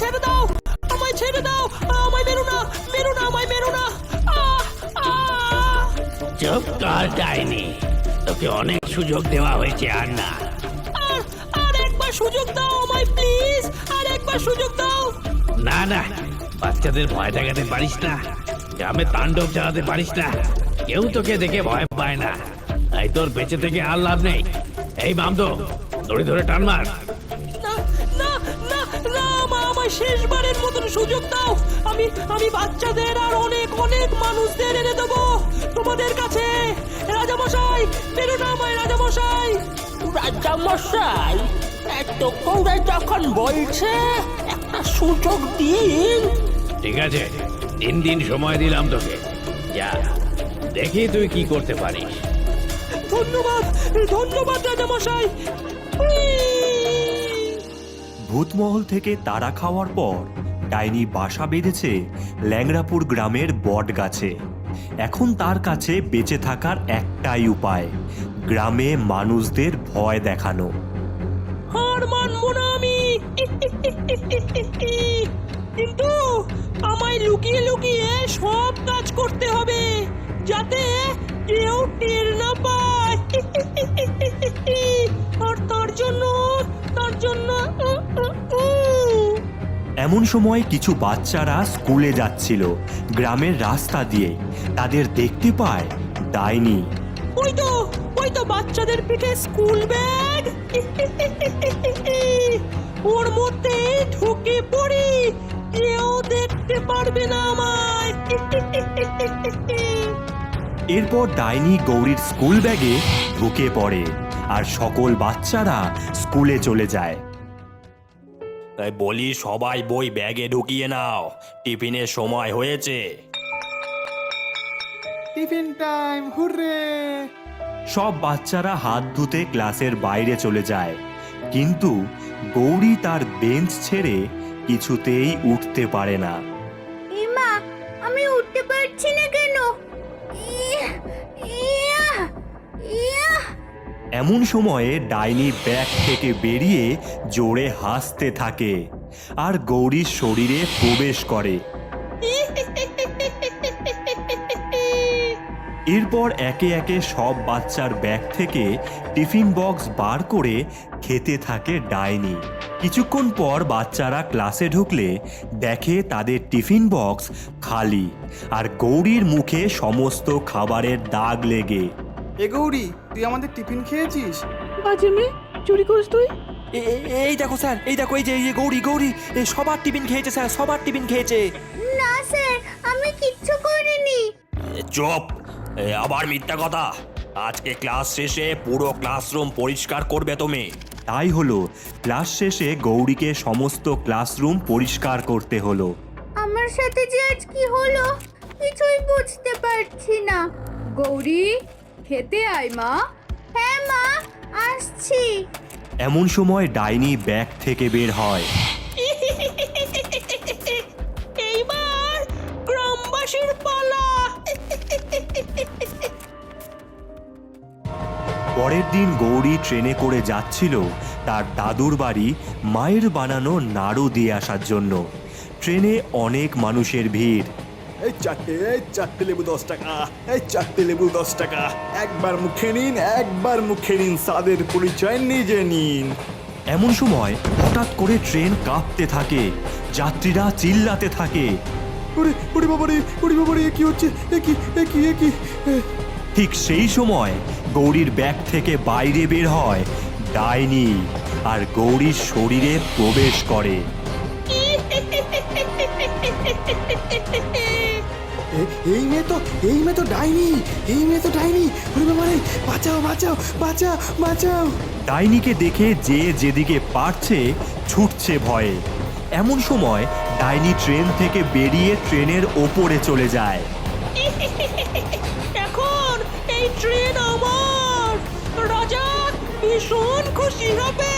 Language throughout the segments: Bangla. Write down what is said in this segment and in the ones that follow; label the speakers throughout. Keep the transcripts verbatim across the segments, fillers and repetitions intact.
Speaker 1: ছেড়ে দাও, আমায় ছেড়ে দাও, আমায় মেরো না, মেরো না, আমায় মেরো না। আহ, আহ।
Speaker 2: চুপ কর ডাইনি, তোকে অনেক সুযোগ দেওয়া হয়েছে, আর না।
Speaker 1: আর আর একবার সুযোগ দাও আমায় প্লিজ, আর একবার সুযোগ দাও।
Speaker 2: না না, বাচ্চাদের ভয় দেখাতে পারিস না, গ্রামে তাণ্ডব চালাতে পারিস না, কেউ তোকে দেখে ভয় পায় না, তাই তোর বেঁচে থেকে আর লাভ নেই। এই মামদো, দড়ি ধরে টান মার।
Speaker 1: না না না না, আমা- আমায় শেষবারের মতন সুযোগ দাও। আমি আমি বাচ্চাদের আর অনেক অনেক মানুষদের এনে দেবো তোমাদের কাছে। রাজামশাই, মেরো না আমায় রাজামশাই। রাজামশাই, এত করে যখন বলছে একটা সুযোগ দিন।
Speaker 2: ঠিক আছে, তিন দিন সময় দিলাম তোকে, যা দেখি তুই কি করতে পারিস।
Speaker 1: ধন্যবাদ ধন্যবাদ রাজামশাই।
Speaker 3: ভূতমহল থেকে তাড়া খাওয়ার পর ডাইনি বাসা বেঁধেছে ল্যাংড়াপুর গ্রামের বট গাছে। এখন তার কাছে বেঁচে থাকার একটাই উপায়, গ্রামে মানুষদের ভয় দেখানো।
Speaker 1: হার মানবো না আমি, কিন্তু আমায় লুকিয়ে লুকিয়ে সব কাজ করতে হবে যাতে কেউ টের না পায়। আর তার জন্য তার জন্য
Speaker 3: এমন সময় কিছু বাচ্চারা স্কুলে যাচ্ছিল গ্রামের রাস্তা দিয়ে। তাদের দেখতে পায় ডাইনি।
Speaker 1: ওই তো ওই তো বাচ্চাদের পিঠে স্কুল ব্যাগ। ওর মধ্যে ঢুকে পড়ি, কেউ দেখতে পারবে না আমায়।
Speaker 3: এরপর ডাইনি গৌরীর স্কুল ব্যাগে ঢুকে পড়ে আর সকল বাচ্চারা স্কুলে চলে যায়। তাই বলি, সবাই বই ব্যাগে ঢুকিয়ে নাও, টিফিনের সময় হয়েছে।
Speaker 4: Tiffin time, hooray!
Speaker 3: সব বাচ্চারা হাত ধুতে ক্লাসের বাইরে চলে যায়, কিন্তু গৌরী তার বেঞ্চ ছেড়ে কিছুতেই উঠতে পারে না।
Speaker 5: এমা, আমি উঠতে পারছি না কেন? ইয়া, ইয়া, ইয়া।
Speaker 3: এমন সময়ে ডাইনি ব্যাগ থেকে বেরিয়ে জোরে হাসতে থাকে আর গৌরীর শরীরে প্রবেশ করে। এরপর একে একে সব বাচ্চার ব্যাগ থেকে টিফিন বক্স বার করে খেতে থাকে ডাইনি। কিছুক্ষণ পর বাচ্চারা ক্লাসে ঢুকলে দেখে তাদের টিফিন বক্স খালি আর গৌরীর মুখে সমস্ত খাবারের দাগ লেগে।
Speaker 4: এ গৌরী, তুই আমাদের টিফিন খেয়েছিস?
Speaker 6: বাজে মেয়ে, চুরি করিস তুই?
Speaker 7: এই দেখো স্যার, এই দেখো, এই যে এই গৌরী গৌরী এই সবার টিফিন খেয়েছে স্যার, সবার টিফিন খেয়েছে।
Speaker 5: না স্যার, আমি কিচ্ছু করিনি।
Speaker 3: চুপ! আবার মিথ্যা কথা। আজকে ক্লাস শেষে পুরো ক্লাসরুম পরিষ্কার করবে তুমি। তাই হলো, ক্লাস শেষে গৌরীকে সমস্ত ক্লাসরুম পরিষ্কার করতে হলো।
Speaker 5: আমার সাথে যে আজ কি হলো কিছুই বুঝতে পারছি না। গৌরী, খেতে আয় মা। হ্যাঁ মা, আসছি।
Speaker 3: এমন সময় ডাইনি ব্যাগ থেকে বের হয়।
Speaker 1: এইবার গ্রামবাসীর পালা।
Speaker 3: পরের দিন গৌরী ট্রেনে করে যাচ্ছিল তার দাদুর বাড়ি মায়ের বানানো নাড়ু দিয়ে আসার জন্য। ট্রেনে অনেক মানুষের ভিড়।
Speaker 4: এই চারটে এই চারটে লেবু দশ টাকা, এই চারটে লেবু দশ টাকা। একবার মুখে নিন, একবার মুখে নিন, স্বাদের পরিচয় নিজে নিন।
Speaker 3: এমন সময় হঠাৎ করে ট্রেন কাঁপতে থাকে, যাত্রীরা চিল্লাতে থাকে।
Speaker 4: ওরে ওরে বাবারে, ওরে বাবারে, কি হচ্ছে? এ কি এ কি এ কি?
Speaker 3: ঠিক সেই সময় গৌরীর ব্যাগ থেকে বাইরে বের হয় ডাইনি আর গৌরীর শরীরে প্রবেশ করে।
Speaker 4: এই মেয়ে তো এই মেয়ে তো ডাইনি, এই মেয়ে তো ডাইনি। ওরে বাবারে, বাঁচাও বাঁচাও বাঁচাও বাঁচাও!
Speaker 3: ডাইনিকে দেখে যে যেদিকে পারছে ছুটছে ভয়ে। এমন সময় ডাইনি ট্রেন থেকে বেরিয়ে ট্রেনের ওপরে চলে যায়।
Speaker 1: এখন এই ট্রেন আমার, রাজা ভীষণ খুশি হবে।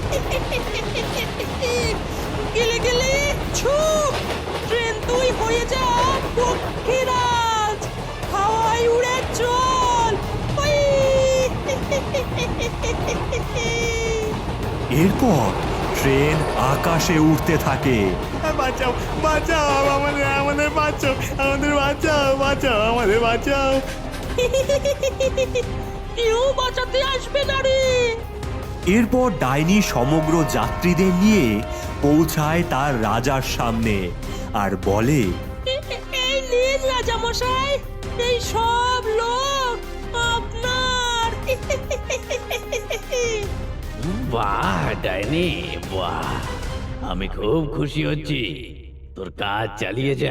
Speaker 1: গেলে গেলে ছুপ, ট্রেন তুই হয়ে যা পক্ষীরাজ, হাওয়ায় উড়ে চল।
Speaker 3: এরপর ট্রেন আকাশে উঠতে থাকে।
Speaker 4: বাঁচাও বাঁচাও আমাদের আমাদের বাঁচাও আমাদের বাঁচাও বাঁচাও আমাদের বাঁচাও।
Speaker 1: কেউ বাঁচাতে আসবে না রে।
Speaker 3: এরপর ডাইনি সমগ্র যাত্রীদের নিয়ে পৌঁছায় তার রাজার সামনে আর বলে,
Speaker 1: এই নিন রাজামশাই, এই সব লোক আপনার।
Speaker 2: বাহ ডাইনি, বাহ, আমি খুব খুশি হচ্ছি। তোর কাজ চালিয়ে যা।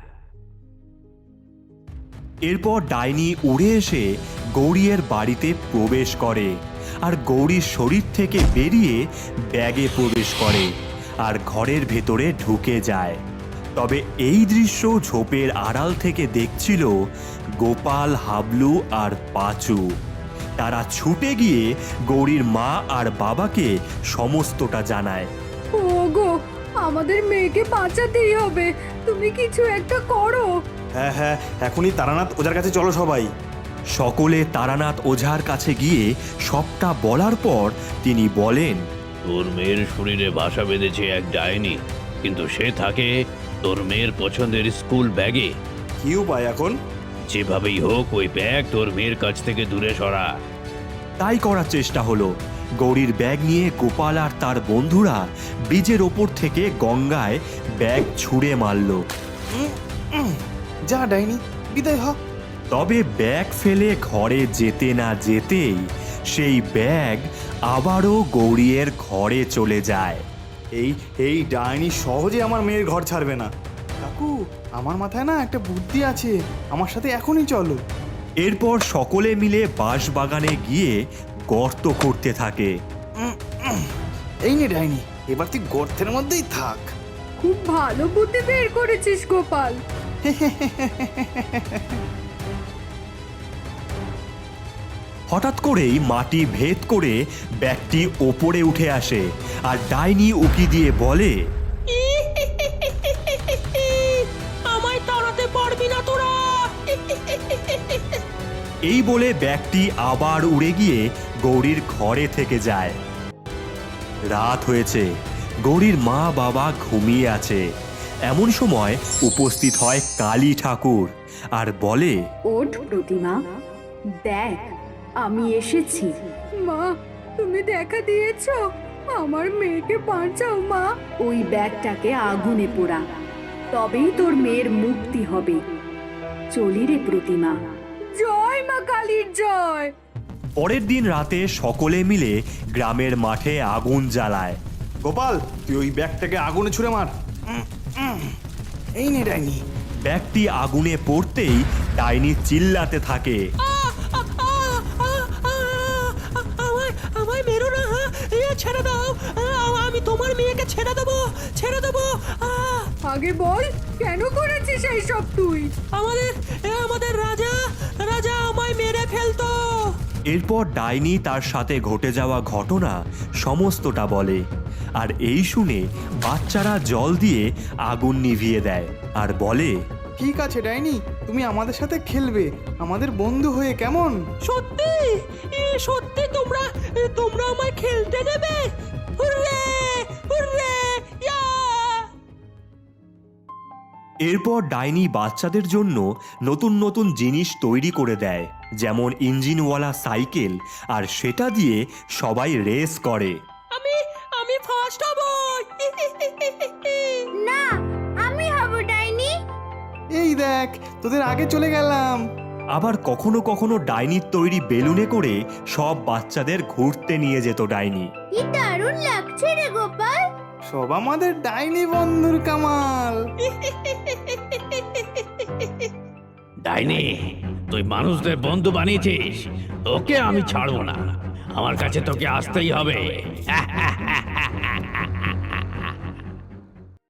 Speaker 3: এরপর ডাইনি উড়ে এসে গৌরীর বাড়িতে প্রবেশ করে আর গৌরীর শরীর থেকে বেরিয়ে ব্যাগে প্রবেশ করে আর ঘরের ভেতরে ঢুকে যায়। তবে এই দৃশ্য ঝোপের আড়াল থেকে দেখছিল গোপাল, হাবলু আর পাঁচু। তারা ছুটে গিয়ে গৌরীর মা আর বাবাকে সমস্তটা জানায়।
Speaker 5: ওগো, আমাদের মেয়েকে বাঁচাতেই হবে, তুমি কিছু একটা করো।
Speaker 4: হ্যাঁ হ্যাঁ এখনই তারানাথ ওজার কাছে চলো সবাই।
Speaker 3: সকলে তারানাথ ওঝার কাছে গিয়ে সবটা বলার পর তিনি বলেন,
Speaker 2: তোর মেয়ের শরীরে বাসা বেঁধেছে এক ডাইনি, কিন্তু সে থাকে তোর মেয়ের পছন্দের স্কুল ব্যাগে।
Speaker 4: কি উপায় এখন?
Speaker 2: যেভাবেই হোক ওই ব্যাগ তোর মেয়ের কাছ থেকে দূরে সরা।
Speaker 3: তাই করার চেষ্টা হলো। গৌরীর ব্যাগ নিয়ে গোপাল আর তার বন্ধুরা ব্রিজের ওপর থেকে গঙ্গায় ব্যাগ ছুঁড়ে মারল।
Speaker 4: যা ডাইনি, বিদায় হ।
Speaker 3: তবে ব্যাগ ফেলে ঘরে যেতে না যেতেই সেই ব্যাগ আবারও গৌরীর ঘরে চলে যায়।
Speaker 4: এই এই ডাইনি সহজে আমার মেয়ের ঘর ছাড়বে না। কাকু, আমার মাথায় না একটা বুদ্ধি আছে, আমার সাথে এখনই চলো।
Speaker 3: এরপর সকলে মিলে বাঁশবাগানে গিয়ে গর্ত করতে থাকে।
Speaker 4: এই নে ডাইনি, এবার তুই গর্তের মধ্যেই থাক।
Speaker 5: খুব ভালো বুদ্ধি বের করেছিস গোপাল।
Speaker 3: হঠাৎ করেই মাটি ভেদ করে ব্যাগটি ওপরে উঠে আসে আর ডাইনি উকি দিয়ে বলে,
Speaker 1: আমায় তাড়াতে পারবি না তোরা।
Speaker 3: এই বলে ব্যাগটি আবার উড়ে গিয়ে গৌরীর ঘরে থেকে যায়। রাত হয়েছে, গৌরীর মা বাবা ঘুমিয়ে আছে। এমন সময় উপস্থিত হয় কালী ঠাকুর আর বলে,
Speaker 8: ওঠ প্রতিমা, দেখ আমি এসেছি।
Speaker 5: মা, তুমি দেখা দিয়েছো, আমার মেয়েকে বাঁচাও মা।
Speaker 8: ওই ব্যাগটাকে আগুনে পোড়া, তবেই তোর মেয়ের মুক্তি হবে। চলি রে প্রতিমা।
Speaker 5: জয় মা কালীর জয়।
Speaker 3: পরের দিন রাতে সকলে মিলে গ্রামের মাঠে আগুন জ্বালায়।
Speaker 4: গোপাল, তুই ওই ব্যাগটাকে আগুনে ছুঁড়ে মার। উম, উম, এই নে ডাইনি।
Speaker 3: ব্যাগটি আগুনে পড়তেই ডাইনি চিল্লাতে থাকে,
Speaker 1: আমায় আমায় মেরো না, এ ছেড়ে দাও, আমি তোমার মেয়েকে ছেড়ে দেবো, ছেড়ে দেবো।
Speaker 5: আগে বল, কেন করেছিস এই সব তুই?
Speaker 1: আমাদের আমাদের রাজা রাজা আমায় মেরে ফেলতো।
Speaker 3: এরপর ডাইনি তার সাথে ঘটে যাওয়া ঘটনা সমস্তটা বলে আর এই শুনে বাচ্চারা জল দিয়ে আগুন নিভিয়ে দেয় আর বলে,
Speaker 4: ঠিক আছে ডাইনি, তুমি আমাদের সাথে খেলবে, আমাদের বন্ধু হয়ে, কেমন?
Speaker 1: সত্যি এ সত্যি তোমরা তোমরা আমায় খেলতে দেবে? Hooray hooray yeah!
Speaker 3: এরপর ডাইনি বাচ্চাদের জন্য নতুন নতুন জিনিস তৈরি করে দেয়, যেমন ইঞ্জিনওয়ালা সাইকেল, আর সেটা দিয়ে সবাই রেস করে।
Speaker 1: আমি আমি ফার্স্ট হব।
Speaker 5: না, আমি হব ডাইনি।
Speaker 4: এই দেখ, তোদের আগে চলে গেলাম।
Speaker 3: আবার কখনো কখনো ডাইনির তৈরি বেলুনে করে সব বাচ্চাদের ঘুরতে নিয়ে যেত ডাইনি।
Speaker 5: কি দারুণ লাগছে রে গোপাল।
Speaker 4: সব আমাদের ডাইনি বন্ধুর কামাল।
Speaker 2: ডাইনি, তুই মানুষদের বন্ধু বানিয়েছিস, তোকে আমি ছাড়বো না। আমার কাছে তোকে আসতেই হবে।